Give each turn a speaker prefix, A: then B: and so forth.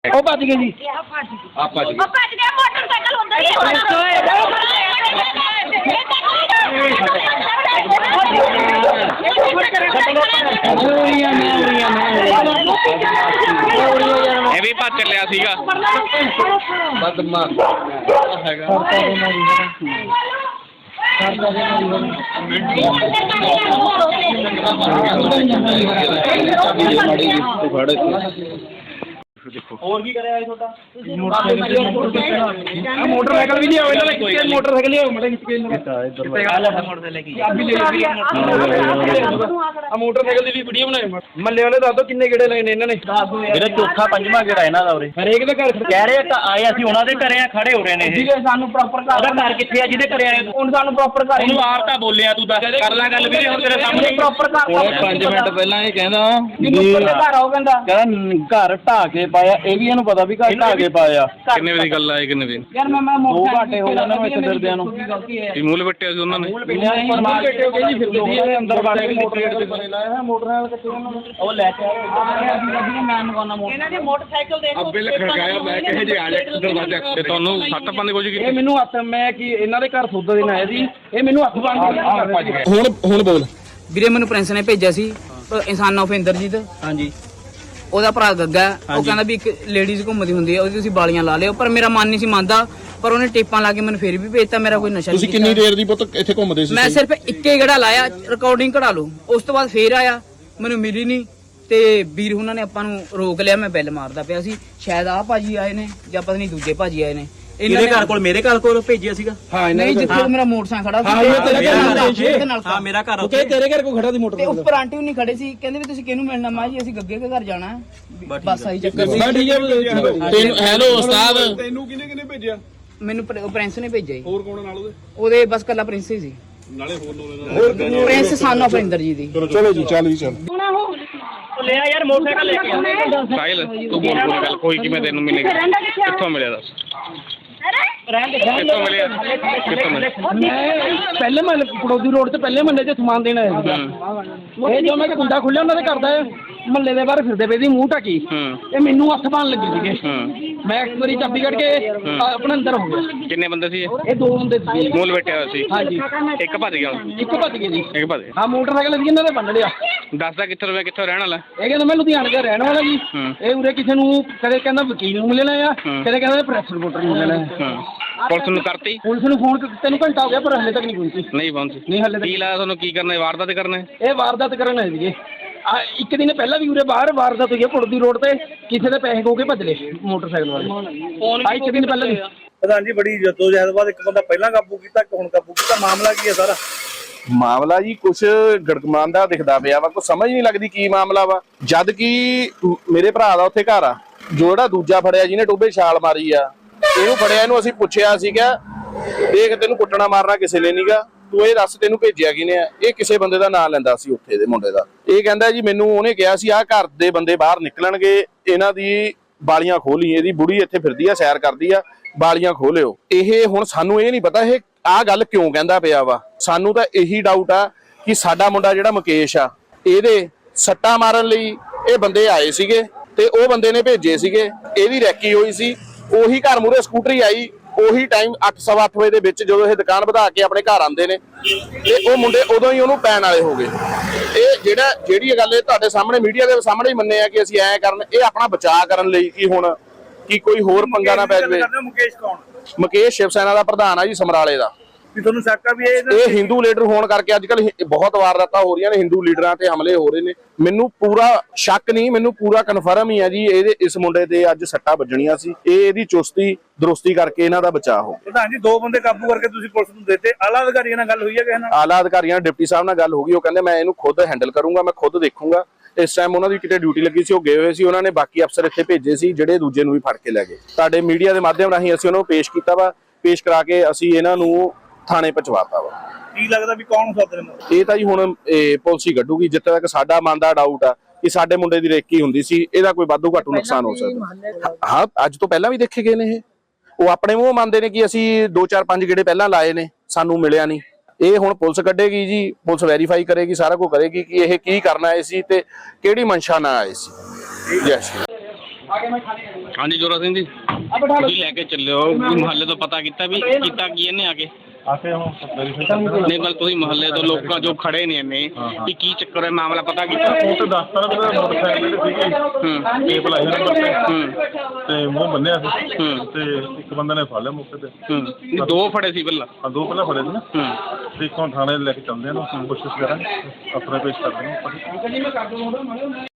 A: ਉਹ ਭੱਜ ਗਏ ਜੀ।
B: ਆਪਾਂ ਜੀ
C: ਭੱਜ ਗਿਆ ਮੋਟਰਸਾਈਕਲ ਹੁੰਦਾ ਹੀ
B: ਇਹ ਵੀ ਭੱਜ ਚੱਲਿਆ ਸੀਗਾ ਬਦਮਾਸ਼ ਹੈਗਾ देखो
A: और की करे छोटा मोटरसाइकिल भी लिया मोटरसाइकिल लिया मोटरसाइकिल की वीडियो बनाए मल्ले वाले दस दो किन्ने गेड़े लगे ने इन्होंने
D: मेरा चौथा पंजवां गेड़ा इन्हां दा उरे
A: हरेक दे घर
D: कह रहे आए ਅਸੀਂ ਉਹਨਾਂ ਦੇ ਘਰੇ ਆ ਖੜੇ ਹੋ ਰਹੇ ਨੇ
A: ठीक है सानू प्रॉपर
D: ਘਰ ਕਿੱਥੇ ਆ ਜਿਹਦੇ ਘਰੇ ਆਏ
A: ਹੁਣ ਸਾਨੂੰ ਪ੍ਰੋਪਰ ਘਰ
D: ਉਹਨੂੰ ਆਪ ਤਾਂ ਬੋਲਿਆ ਤੂੰ ਦੱਸ ਕਰ ਲੈ ਗੱਲ ਵੀਰੇ ਹੁਣ ਤੇਰੇ ਸਾਹਮਣੇ
A: ਪ੍ਰੋਪਰ ਘਰ
B: 5 ਮਿੰਟ ਪਹਿਲਾਂ ਇਹ ਕਹਿੰਦਾ
A: ਘਰ ਆਓ ਕਹਿੰਦਾ
D: ਘਰ ਢਾ ਕੇ ਪਾਇਆ ਇਹ ਵੀ ਇਹਨੂੰ ਪਤਾ ਵੀ ਘਰ ਢਾ ਕੇ ਪਾਇਆ
B: ਕਿੰਨੇ ਵਜੇ ਦੀ ਗੱਲ ਆਏ ਕਿੰਨੇ ਵਜੇ
A: ਯਾਰ ਮੈਂ
D: 2 ਘੰਟੇ ਹੋ ਗਏ ਨਾ ਇੱਥੇ ਫਿਰਦਿਆਂ ਨੂੰ
B: ਇਹ ਮੂਲ ਵੱਟਿਆ ਸੀ ਉਹਨਾਂ ਨੇ
A: ਬੈਠੇ ਹੋ ਗਏ ਜੀ ਫਿਰਦੇ ਸੀ ਅੰਦਰ ਵੜ ਕੇ ਮੋਟਰਸਾਈਕਲ ਕੱਟੇ
D: ਉਹ ਲੈ ਕੇ
A: ਮੈਂ ਮਗਾਉਣਾ
C: ਇਹਨਾਂ ਦੇ ਮੋਟਰਸਾਈਕਲ ਦੇਖੋ
B: ਅੱਬੇ ਖੜਕਾਇਆ ਮੈਂ ਕਹੇ ਜੇ ਆ ਜਾ ਦਰਵਾਜ਼ਾ ਤੇ ਤੁਹਾਨੂੰ ਸੱਟ ਪਾਉਣ ਦੀ ਕੋਸ਼ਿਸ਼
A: ਇਹ
B: ਕੀਤੀ
A: ਮੈਨੂੰ ਹੱਥ ਮੈਂ ਕੀ ਇਹਨਾਂ ਦੇ ਘਰ ਸੌਦਾ ਦੇਣ ਆਇਆ ਸੀ ਇਹ ਮੈਨੂੰ ਹੱਥ ਬੰਨ
B: ਹੁਣ ਬੋਲ
E: ਵੀਰੇ ਮੈਨੂੰ ਪ੍ਰਿੰਸ ਨੇ ਭੇਜਿਆ ਸੀ ਇਨਸਾਨ ਆਫ ਇੰਦਰਜੀਤ
D: ਹਾਂਜੀ
E: ਉਹਦਾ ਭਰਾ ਗੱਗਾ ਉਹ ਕਹਿੰਦਾ ਵੀ ਇੱਕ ਲੇਡੀਜ਼ ਘੁੰਮਦੀ ਹੁੰਦੀ ਹੈ ਉਹਦੀ ਤੁਸੀਂ ਬਾਲੀਆਂ ਲਾ ਲਿਓ ਪਰ ਮੇਰਾ ਮਨ ਨਹੀਂ ਸੀ ਮੰਨਦਾ ਪਰ ਉਹਨੇ ਟੇਪਾਂ ਲਾ ਕੇ ਮੈਨੂੰ ਫੇਰ ਵੀ ਭੇਜਤਾ ਮੇਰਾ ਕੋਈ ਨਸ਼ਾ
B: ਤੁਸੀਂ ਕਿੰਨੀ ਦੇਰ ਦੀ ਪੁੱਤ ਇੱਥੇ ਘੁੰਮਦੇ ਸੀ
E: ਮੈਂ ਸਿਰਫ ਇੱਕੇ ਗੜਾ ਲਾਇਆ ਰਿਕਾਰਡਿੰਗ ਕਢਾ ਲਓ ਉਸ ਤੋਂ ਬਾਅਦ ਫੇਰ ਆਇਆ ਮੈਨੂੰ ਮਿਲੀ ਨਹੀਂ ਤੇ ਵੀਰ ਉਹਨਾਂ ਨੇ ਆਪਾਂ ਨੂੰ ਰੋਕ ਲਿਆ ਮੈਂ ਬੈਲ ਮਾਰਦਾ ਪਿਆ ਸੀ ਸ਼ਾਇਦ ਆਹ ਭਾਜੀ ਆਏ ਨੇ ਜਾਂ ਪਤਾ ਨਹੀਂ ਦੂਜੇ ਭਾਜੀ ਆਏ ਨੇ
D: ਇਹਦੇ ਘਰ ਕੋਲ ਮੇਰੇ ਘਰ ਕੋਲ ਭੇਜਿਆ ਸੀਗਾ
A: ਹਾਂ
E: ਨਹੀਂ ਜਿੱਥੇ ਮੇਰਾ ਮੋਟਰਸਾਈਕਲ ਖੜਾ
A: ਹਾਂ, ਇਹ ਤੇਰੇ
E: ਨਾਲ
D: ਹਾਂ ਮੇਰਾ ਘਰ
A: ਕਿ ਤੇਰੇ ਘਰ ਕੋ ਖੜਾ ਦੀ
E: ਤੇ
A: ਮੋਟਰਸਾਈਕਲ
E: ਉੱਪਰ ਆਂਟੀ ਵੀ ਨਹੀਂ ਖੜੇ ਸੀ ਕਹਿੰਦੇ ਵੀ ਤੁਸੀਂ ਕਿਹਨੂੰ ਮਿਲਣਾ ਮਾਂ ਜੀ ਅਸੀਂ ਗੱਗੇ ਦੇ ਘਰ ਜਾਣਾ ਬਸ ਆਹੀ ਚੱਕਰ ਸੀ
A: ਮੈਂ ਠੀਕ ਹੈ
B: ਤੈਨੂੰ ਹੈਲੋ ਉਸਤਾਦ
A: ਤੈਨੂੰ ਕਿਹਨੇ ਭੇਜਿਆ
E: ਮੈਨੂੰ ਪ੍ਰਿੰਸ ਨੇ ਭੇਜਿਆ ਜੀ
A: ਹੋਰ ਕੌਣ ਨਾਲ
E: ਉਹਦੇ ਬਸ ਕੱਲਾ ਪ੍ਰਿੰਸ ਹੀ ਸੀ
A: ਨਾਲੇ ਹੋਰ
E: ਪ੍ਰਿੰਸ ਸਾਨੂੰ ਅਪਰਿੰਦਰ ਜੀ ਦੀ
A: ਚਲੋ ਜੀ ਚੱਲ ਜੀ ਚੱਲ
D: ਲੈ ਯਾਰ ਮੋਟਰਸਾਈਕਲ ਲੈ ਕੇ ਆ
B: ਸਾਹਿਲ ਤੂੰ ਬੋਲ ਕੋਈ ਗੱਲ ਕੋਈ ਕਿਵੇਂ ਤੈਨੂੰ ਮਿਲੇਗਾ ਕਿੱਥੋਂ ਮਿਲਿਆ ਦੱਸ ਕਿੱਥੋਂ ਮਿਲਿਆ ਕਿੱਥੋਂ ਮਿਲਿਆ
A: ਮੈਂ ਪਹਿਲੇ ਮਹੱਲੇ ਪੜੋਦੀ ਰੋਡ ਤੇ ਪਹਿਲੇ ਮਹੱਲੇ 'ਚ ਸਮਾਨ ਦੇਣ ਆਇਆ ਸੀ ਇਹ ਜੋ ਮੈਂ ਕੁੰਡਾ ਖੁੱਲਿਆ ਉਹਨਾਂ ਦੇ ਘਰ ਦਾ ਮਹੱਲੇ ਦੇ ਬਾਹਰ ਫਿਰਦੇ ਪਏ ਸੀ ਮੂੰਹ ਢੱਕੀ ਇਹ ਮੈਨੂੰ ਹੱਥ ਪਾਣ ਲੱਗੇ ਸੀਗੇ ਮੈਂ ਇੱਕ ਵਾਰੀ ਚਾਬੀ ਕੱਢ ਕੇ ਆਪਣਾ ਅੰਦਰ ਹੋ ਗਿਆ
B: ਕਿੰਨੇ ਬੰਦੇ ਸੀ
A: ਇਹ ਦੋ ਬੰਦੇ ਸੀ
B: ਮੂਲ ਬੈਠਿਆ ਹੋਇਆ ਸੀ
A: ਹਾਂਜੀ
B: ਇੱਕ ਭੱਜ ਗਿਆ
A: ਇੱਕ ਭੱਜ ਗਏ ਜੀ
B: ਇੱਕ ਭੱਜ ਗਿਆ
A: ਹਾਂ ਮੋਟਰਸਾਈਕਲ ਅਸੀਂ ਇਹਨਾਂ ਦੇ ਬੰਨ ਲਿਆ
B: ਦੱਸਦਾ ਕਿੱਥੋਂ ਰੁਪਏ ਕਿੱਥੋਂ ਰਹਿਣ ਵਾਲਾ
A: ਇਹ ਕਹਿੰਦਾ ਮੈਂ ਲੁਧਿਆਣੇ ਦਾ ਰਹਿਣ ਵਾਲਾ ਜੀ ਇਹ ਉਰੇ ਕਿਸੇ ਨੂੰ ਕਦੇ ਕਹਿੰਦਾ ਵਕੀਲ ਨੂੰ ਮਿਲਣਾ ਆ ਕਦੇ ਕਹਿੰਦਾ ਪ੍ਰੈਸ ਰਿਪੋਰਟਰ ਨੂੰ ਮਿਲਣਾ
B: ਪੁਲਿਸ ਨੂੰ ਕਰਤੀ
A: ਪੁਲਿਸ ਨੂੰ ਫੋਨ ਤੈਨੂੰ ਘੰਟਾ ਹੋ ਗਿਆ ਪਰ ਹਲੇ ਤੱਕ ਨਹੀਂ ਪਹੁੰਚੀ
B: ਨਹੀਂ ਪਹੁੰਚੀ
A: ਨਹੀਂ ਹਲੇ
B: ਕੀ ਲਾਇਆ ਤੁਹਾਨੂੰ ਕੀ ਕਰਨਾ ਵਾਰਦਾਤ ਕਰਨਾ
A: ਇਹ ਵਾਰਦਾਤ ਕਰਨ ਆਏ ਸੀਗੇ ਇੱਕ ਦਿਨ ਪਹਿਲਾਂ ਵੀ ਉਰੇ ਬਾਹਰ ਵਾਰਦਾਤ ਹੋਈ ਹੈ ਪੁੜਦੀ ਰੋਡ ਤੇ ਕਿਸੇ ਦੇ ਪੈਸੇ ਖੋ ਕੇ ਭੱਜ ਲਏ ਮੋਟਰਸਾਈਕਲ ਵਾਲੇ ਇੱਕ ਦਿਨ ਪਹਿਲਾਂ ਵੀ
D: ਪ੍ਰਧਾਨ ਜੀ ਬੜੀ ਜਦੋਜਹਿਦ ਬਾਅਦ ਇੱਕ ਬੰਦਾ ਪਹਿਲਾਂ ਕਾਬੂ ਕੀਤਾ ਇੱਕ ਹੁਣ ਕਾਬੂ ਕੀਤਾ ਮਾਮਲਾ ਕੀ ਹੈ ਸਾਰਾ
F: ਮਾਮਲਾ ਜੀ ਕੁਛ ਗੜਗਮਾਂਦਾ ਦਿਖਦਾ ਪਿਆ ਵਾ ਕੋਈ ਸਮਝ ਨਹੀਂ ਲੱਗਦੀ ਕੀ ਮਾਮਲਾ ਵਾ ਜਦ ਕਿ ਮੇਰੇ ਭਰਾ ਦਾ ਉੱਥੇ ਘਰ ਆ ਜਿਹੜਾ ਦੂਜਾ ਫੜਿਆ ਜਿਹਨੇ ਟੋਬੇ ਛਾਲ ਮਾਰੀ ਆ ਇਹਨੂੰ ਫੜਿਆ ਇਹਨੂੰ ਅਸੀਂ ਪੁੱਛਿਆ ਸੀਗਾ ਦੇਖ ਤੈਨੂੰ ਕੁੱਟਣਾ ਮਾਰਨਾ ਕਿਸੇ ਨੇ ਨਹੀਂਗਾ ਤੂੰ ਇਹ ਦੱਸ ਤੈਨੂੰ ਭੇਜਿਆ ਕਿਨੇ ਆ ਇਹ ਕਿਸੇ ਬੰਦੇ ਦਾ ਨਾਂ ਲੈਂਦਾ ਸੀ ਉੱਥੇ ਦੇ ਮੁੰਡੇ ਦਾ ਇਹ ਕਹਿੰਦਾ ਜੀ ਮੈਨੂੰ ਉਹਨੇ ਕਿਹਾ ਸੀ ਆਹ ਘਰ ਦੇ ਬੰਦੇ ਬਾਹਰ ਨਿਕਲਣਗੇ ਇਹਨਾਂ ਦੀ ਬਾਲੀਆਂ ਖੋਲੀ ਇਹਦੀ ਬੁੜੀ ਇੱਥੇ ਫਿਰਦੀ ਆ ਸੈਰ ਕਰਦੀ ਆ ਬਾਲੀਆਂ ਖੋਲਿਓ ਇਹ ਹੁਣ ਸਾਨੂੰ ਇਹ ਨਹੀਂ ਪਤਾ ਇਹ ਆਹ ਗੱਲ ਕਿਉਂ ਕਹਿੰਦਾ ਪਿਆ ਵਾ ਸਾਨੂੰ ਤਾਂ ਇਹੀ ਡਾਊਟ ਆ ਕਿ ਸਾਡਾ ਮੁੰਡਾ ਜਿਹੜਾ ਮੁਕੇਸ਼ ਆ ਇਹਦੇ ਸੱਟਾਂ ਮਾਰਨ ਲਈ ਇਹ ਬੰਦੇ ਆਏ ਸੀਗੇ ਤੇ ਉਹ ਬੰਦੇ ਨੇ ਭੇਜੇ ਸੀਗੇ ਇਹਦੀ ਰੈਕੀ ਹੋਈ ਸੀ ਉਹੀ ਘਰ ਮੂਹਰੇ ਸਕੂਟਰੀ ਆਈ ਉਹੀ ਟਾਈਮ 8:15 ਵਜੇ ਦੇ ਵਿੱਚ ਜਦੋਂ ਇਹ ਦੁਕਾਨ ਵਧਾ ਕੇ ਆਪਣੇ ਘਰ ਆਉਂਦੇ ਨੇ ਤੇ ਉਹ ਮੁੰਡੇ ਉਦੋਂ ਹੀ ਉਹਨੂੰ ਪੈਣ ਵਾਲੇ ਹੋ ਗਏ ਇਹ ਜਿਹੜੀ ਗੱਲ ਇਹ ਤੁਹਾਡੇ ਸਾਹਮਣੇ ਮੀਡੀਆ ਦੇ ਸਾਹਮਣੇ ਹੀ ਮੰਨੇ ਆ ਕਿ ਅਸੀਂ ਐਂ ਕਰਨ ਇਹ ਆਪਣਾ ਬਚਾਅ ਕਰਨ ਲਈ ਕਿ ਹੁਣ ਕੀ ਕੋਈ ਹੋਰ ਪੰਗਾ ਨਾ ਪੈ ਜਾਵੇ
D: ਮੁਕੇਸ਼ ਕੌਣ
F: ਮੁਕੇਸ਼ ਸ਼ਿਵ ਸੈਨਾ ਦਾ ਪ੍ਰਧਾਨ ਆ ਜੀ ਸਮਰਾਲੇ ਦਾ
D: ਵੀ ਤੁਹਾਨੂੰ ਸ਼ੱਕ ਆ ਵੀ
F: ਇਹ ਹਿੰਦੂ ਲੀਡਰ ਹੋਣ ਕਰਕੇ ਅੱਜ ਕੱਲ ਬਹੁਤ ਵਾਰਦਾਤਾਂ ਹੋ ਰਹੀਆਂ ਨੇ ਹਿੰਦੂ ਲੀਡਰਾਂ ਤੇ ਹਮਲੇ ਹੋ ਰਹੇ ਨੇ ਮੈਨੂੰ ਪੂਰਾ ਸ਼ੱਕ ਨਹੀਂ ਮੈਨੂੰ ਪੂਰਾ ਕਨਫਰਮ ਹੀ ਆ ਜੀ ਇਹਦੇ ਇਸ ਮੁੰਡੇ ਤੇ ਅੱਜ ਸੱਟਾਂ ਵੱਜਣੀਆਂ ਸੀ ਇਹਦੀ ਚੁਸਤੀ ਦਰੁਸਤੀ ਕਰਕੇ ਇਹਨਾਂ ਦਾ ਬਚਾਅ ਹੋ
D: ਪ੍ਰਧਾਨ ਜੀ ਦੋ ਬੰਦੇ ਕਾਬੂ ਕਰਕੇ ਤੁਸੀਂ ਪੁਲਿਸ ਨੂੰ ਦਿੱਤੇ ਆਲਾ ਅਧਿਕਾਰੀਆਂ ਨਾਲ ਗੱਲ ਹੋਈ ਹੈ ਕਿਸੇ ਨਾਲ
F: ਆਲਾ ਅਧਿਕਾਰੀਆਂ ਡਿਪਟੀ ਸਾਹਿਬ ਨਾਲ ਗੱਲ ਹੋ ਗਈ ਉਹ ਕਹਿੰਦੇ ਮੈਂ ਇਹਨੂੰ ਖੁਦ ਹੈਂਡਲ ਕਰੂੰਗਾ ਮੈਂ ਖੁਦ ਦੇਖੂੰਗਾ ਇਸ ਟਾਈਮ ਉਹਨਾਂ ਦੀ ਕਿਤੇ ਡਿਊਟੀ ਲੱਗੀ ਸੀ ਉਹ ਗਏ ਹੋਏ ਸੀ ਉਹਨਾਂ ਨੇ ਬਾਕੀ ਅਫਸਰ ਇੱਥੇ ਭੇਜੇ ਸੀ ਜਿਹੜੇ ਦੂਜੇ ਨੂੰ ਵੀ ਫੜ ਕੇ ਲੈ ਗਏ ਤੁਹਾਡੇ ਮੀਡੀਆ ਦੇ ਮਾਧਿਅਮ ਰਾਹੀਂ ਅਸੀਂ ਉਹਨਾਂ ਨੂੰ ਪੇਸ਼ ਕੀਤਾ ਵਾ ਪੇਸ਼ ਕਰਾ ਕੇ ਅਸੀਂ ਇਹਨਾਂ ਨੂੰ ਥਾਣੇ ਪਹੁੰਚਵਾਤਾ ਵਾ
D: ਕੀ ਲੱਗਦਾ ਵੀ ਕੌਣ ਸੱਦ ਰਹੇ ਨੇ
F: ਇਹ ਤਾਂ ਜੀ ਹੁਣ ਪੁਲਿਸ ਹੀ ਕੱਢੂਗੀ ਜਿੱਥੇ ਤੱਕ ਸਾਡਾ ਮਨ ਦਾ ਡਾਊਟ ਆ ਕਿ ਸਾਡੇ ਮੁੰਡੇ ਦੀ ਰੇਕੀ ਹੁੰਦੀ ਸੀ ਇਹਦਾ ਕੋਈ ਵਾਧੂ ਘਾਟੂ ਨੁਕਸਾਨ ਹੋ ਸਕਦਾ ਹਾਂ ਅੱਜ ਤੋਂ ਪਹਿਲਾਂ ਵੀ ਦੇਖੇ ਗਏ ਨੇ ਉਹ ਆਪਣੇ ਮੂੰਹ ਮੰਨਦੇ ਨੇ ਕਿ ਅਸੀਂ 2-4-5 ਗੇੜੇ ਪਹਿਲਾਂ ਲਾਏ ਨੇ ਸਾਨੂੰ ਮਿਲਿਆ ਨਹੀਂ ਇਹ ਹੁਣ ਪੁਲਿਸ ਕੱਢੇਗੀ ਜੀ ਪੁਲਿਸ ਵੈਰੀਫਾਈ ਕਰੇਗੀ ਸਾਰਾ ਕੁਝ ਕਰੇਗੀ ਕਿ ਇਹ ਕੀ ਕਰਨਾ ਆਏ ਸੀ ਤੇ ਕਿਹੜੀ ਮਨਸ਼ਾ ਨਾਲ ਆਏ ਸੀ ਜੈ ਸ਼੍ਰੀ
B: ਹਾਂਜੀ ਜੋਰਾ ਸਿੰਘ ਜੀ, ਤੁਸੀਂ ਲੈ ਕੇ ਚੱਲਿਓ ਮੁਹੱਲੇ ਤੋਂ ਪਤਾ ਕੀਤਾ ਵੀ ਕੀਤਾ ਕੀ ਇਹਨੇ ਆ ਕੇ
G: ਆਕੇ ਹੁਣ ਵੈਰੀਫਾਈ
B: ਨਹੀਂ ਬਲ ਤੁਸੀਂ ਮੁਹੱਲੇ ਤੋਂ ਲੋਕਾਂ ਜੋ ਖੜੇ ਨੇ ਇਹਨੇ ਵੀ ਕੀ ਚੱਕਰ ਹੈ ਮਾਮਲਾ ਪਤਾ ਕੀਤਾ
G: ਉਹ ਤੇ ਦੱਸਤਾ ਨਾ ਵੀ ਮੋਟਰਸਾਈਕਲ ਤੇ ਸੀਗੇ ਟੇਪ ਲਾਈ ਨੰਬਰ ਤੇ ਮੂੰਹ ਬੰਨਿਆ ਸੀ ਤੇ ਇੱਕ ਬੰਦੇ ਨੇ ਫੜ ਲਿਆ ਮੌਕੇ ਤੇ
B: ਦੋ ਫੜੇ ਸੀ ਪਹਿਲਾਂ
G: ਹਾਂ ਦੋ ਪਹਿਲਾਂ ਫੜੇ ਸੀ ਨਾ ਤੇ ਇੱਕ ਹੁਣ ਥਾਣੇ ਲੈ ਕੇ ਚੱਲਦੇ ਆ ਨਾ ਕੋਸ਼ਿਸ਼ ਕਰਾਂਗੇ ਆਪਣੇ ਪੇਸ਼ ਕਰਦੇ ਹਾਂ